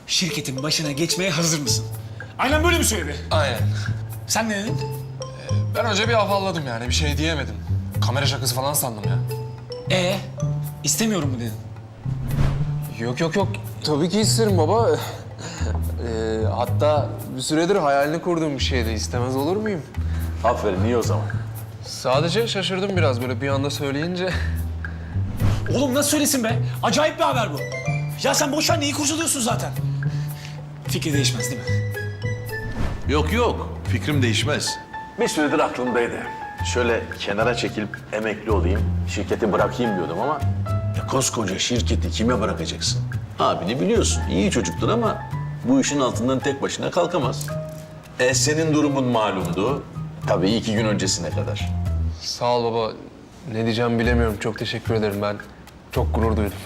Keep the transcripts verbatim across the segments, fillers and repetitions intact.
şirketin başına geçmeye hazır mısın? Aynen böyle mi söyledi? Aynen. Sen ne dedin? Ben önce bir afalladım yani, bir şey diyemedim. Kamera şakası falan sandım ya. Ee, istemiyorum mu dedin? Yok yok yok. Tabii ki isterim baba. Ee, hatta bir süredir hayalini kurduğum bir şeydi. İstemez olur muyum? Aferin, iyi o zaman. Sadece şaşırdım biraz böyle bir anda söyleyince. Oğlum nasıl söylesin be? Acayip bir haber bu. Ya sen boş ver, neyi kurcalıyorsun zaten? Fikri değişmez değil mi? Yok yok, fikrim değişmez. Bir süredir aklımdaydı. Şöyle kenara çekilip emekli olayım, şirketi bırakayım diyordum ama... Ya koskoca şirketi kime bırakacaksın? Abini biliyorsun, iyi çocuktur ama bu işin altından tek başına kalkamaz. E senin durumun malumdu. Tabii iki gün öncesine kadar. Sağ ol baba. Ne diyeceğimi bilemiyorum. Çok teşekkür ederim ben. Çok gurur duydum.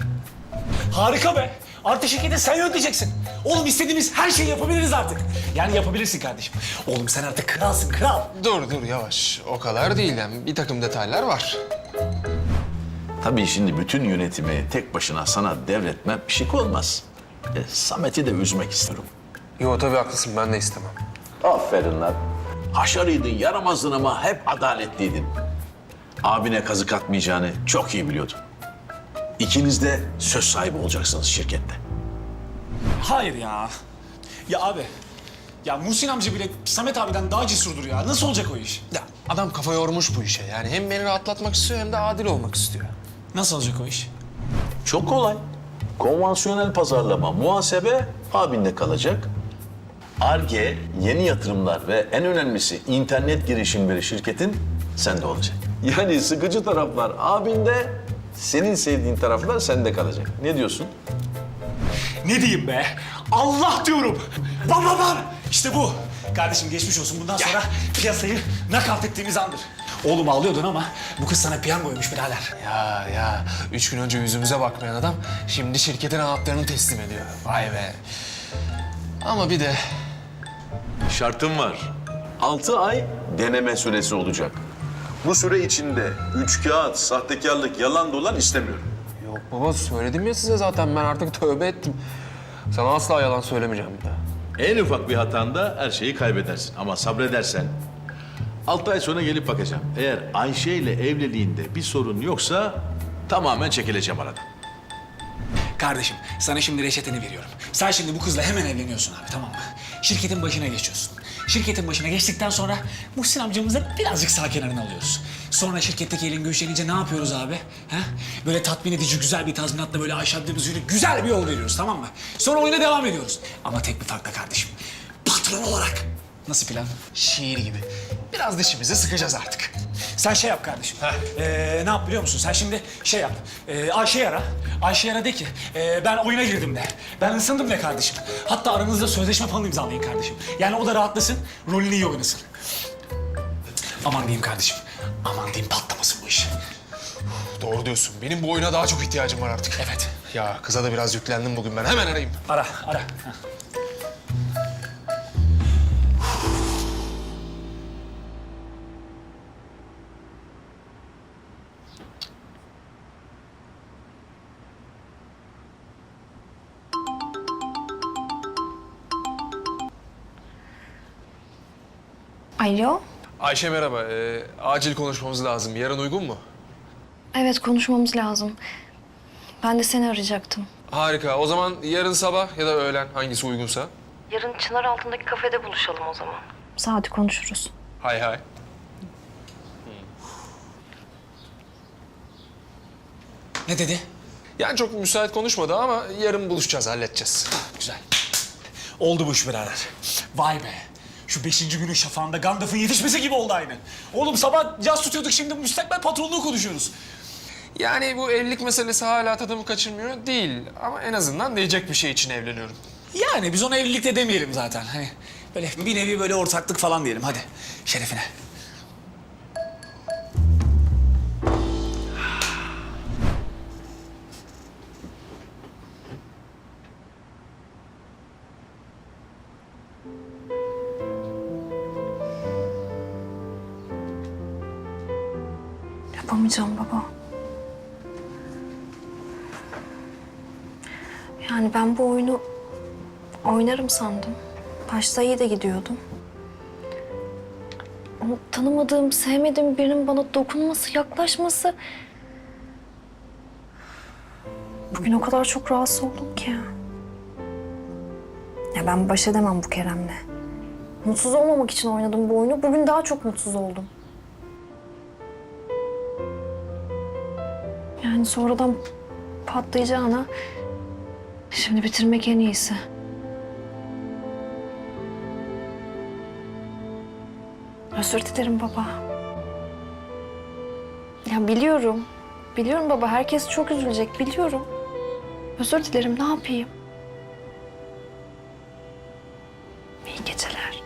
Harika be. Artık şirketi sen yöneteceksin. Oğlum istediğimiz her şeyi yapabiliriz artık. Yani yapabilirsin kardeşim. Oğlum sen artık kralsın, kral. Dur dur yavaş. O kadar değil yani. Bir takım detaylar var. Tabii şimdi bütün yönetimi tek başına sana devretmem şık olmaz. E, Samet'i de üzmek istiyorum. Yo tabii haklısın. Ben de istemem. Aferin lan. Haşarıydın, yaramazdın ama hep adaletliydin. Abine kazık atmayacağını çok iyi biliyordum. İkiniz de söz sahibi olacaksınız şirkette. Hayır ya. Ya abi. Ya Muhsin amca bile Samet abiden daha cesurdur ya. Nasıl olacak o iş? Ya adam kafa yormuş bu işe. Yani hem beni rahatlatmak istiyor hem de adil olmak istiyor. Nasıl olacak o iş? Çok kolay. Konvansiyonel pazarlama, muhasebe abinde kalacak. Ar-Ge, yeni yatırımlar ve en önemlisi internet girişimleri şirketin sende olacak. Yani sıkıcı taraflar abinde, senin sevdiğin taraflar sende kalacak. Ne diyorsun? Ne diyeyim be? Allah diyorum. Bam bam bam. İşte bu. Kardeşim geçmiş olsun. Bundan sonra piyasayı nakavt ettiğimiz andır. Oğlum ağlıyordun ama bu kız sana piyangoymuş birader. Ya ya. Üç gün önce yüzümüze bakmayan adam şimdi şirketin anahtarını teslim ediyor. Vay be. Ama bir de Şartım var. Altı ay deneme süresi olacak. Bu süre içinde üç kağıt, sahtekarlık, yalan dolan istemiyorum. yok baba söyledim ya size zaten ben artık tövbe ettim. Sana asla yalan söylemeyeceğim bir daha. En ufak bir hatanda her şeyi kaybedersin. Ama sabredersen altı ay sonra gelip bakacağım. Eğer Ayşe ile evliliğinde bir sorun yoksa tamamen çekileceğim aradan. Kardeşim sana şimdi reçeteni veriyorum. Sen şimdi bu kızla hemen evleniyorsun abi, tamam mı? Şirketin başına geçiyorsun. Şirketin başına geçtikten sonra Muhsin amcamızı birazcık sağ kenarına alıyoruz. Sonra şirketteki elin güçlenince ne yapıyoruz abi? Ha? Böyle tatmin edici güzel bir tazminatla böyle aşağıdığımız yürü güzel bir yol veriyoruz, tamam mı? Sonra oyuna devam ediyoruz. Ama tek bir farkla kardeşim. Patron olarak. Nasıl plan? Şiir gibi. Biraz dişimizi sıkacağız artık. Sen şey yap kardeşim. Ee, ne yap biliyor musun? Sen şimdi şey yap. Ee, Ayşe'yi ara. Ayşe'yi ara de ki ee, ben oyuna girdim de. Ben ısındım de kardeşim. Hatta aranızda sözleşme falan imzalayın kardeşim. Yani o da rahatlasın, rolünü iyi oynasın. Aman diyeyim kardeşim. Aman diyeyim patlamasın bu iş. Doğru diyorsun. Benim bu oyuna daha çok ihtiyacım var artık. Evet. Ya kıza da biraz yüklendim bugün ben. Hemen arayayım. Ara, ara. Heh. Alo. Ayşe merhaba. Ee, acil konuşmamız lazım. Yarın uygun mu? Evet, konuşmamız lazım. Ben de seni arayacaktım. Harika. O zaman yarın sabah ya da öğlen hangisi uygunsa. Yarın Çınar altındaki kafede buluşalım o zaman. Saati konuşuruz. Hay hay. Ne dedi? Yani çok müsait konuşmadı ama yarın buluşacağız, halledeceğiz. Güzel. Oldu bu iş birader. Vay be. Şu beşinci günün şafağında Gandalf'ın yetişmesi gibi oldu aynı. Oğlum sabah caz tutuyorduk, şimdi müstakbel patronluğu konuşuyoruz. Yani bu evlilik meselesi hala tadımı kaçırmıyor değil. Ama en azından diyecek bir şey için evleniyorum. Yani biz ona evlilik de demeyelim zaten. Hani böyle bir nevi böyle ortaklık falan diyelim, hadi. Şerefine. Yapamayacağım baba. Yani ben bu oyunu Oynarım sandım. Başta iyi de gidiyordum. Ama tanımadığım, sevmediğim birinin bana dokunması, yaklaşması... Bugün o kadar çok rahatsız oldum ki. Ya ben baş edemem bu Kerem'le. Mutsuz olmamak için oynadım bu oyunu. Bugün daha çok mutsuz oldum. Yani sonradan patlayacağına şimdi bitirmek en iyisi. Özür dilerim baba. Ya biliyorum. Biliyorum baba, herkes çok üzülecek, biliyorum. Özür dilerim, ne yapayım? İyi geceler.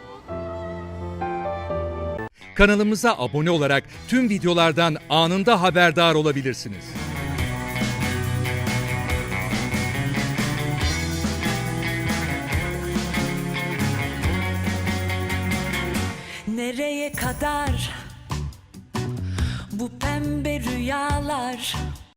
Kanalımıza abone olarak tüm videolardan anında haberdar olabilirsiniz. Nereye kadar bu pembe rüyalar?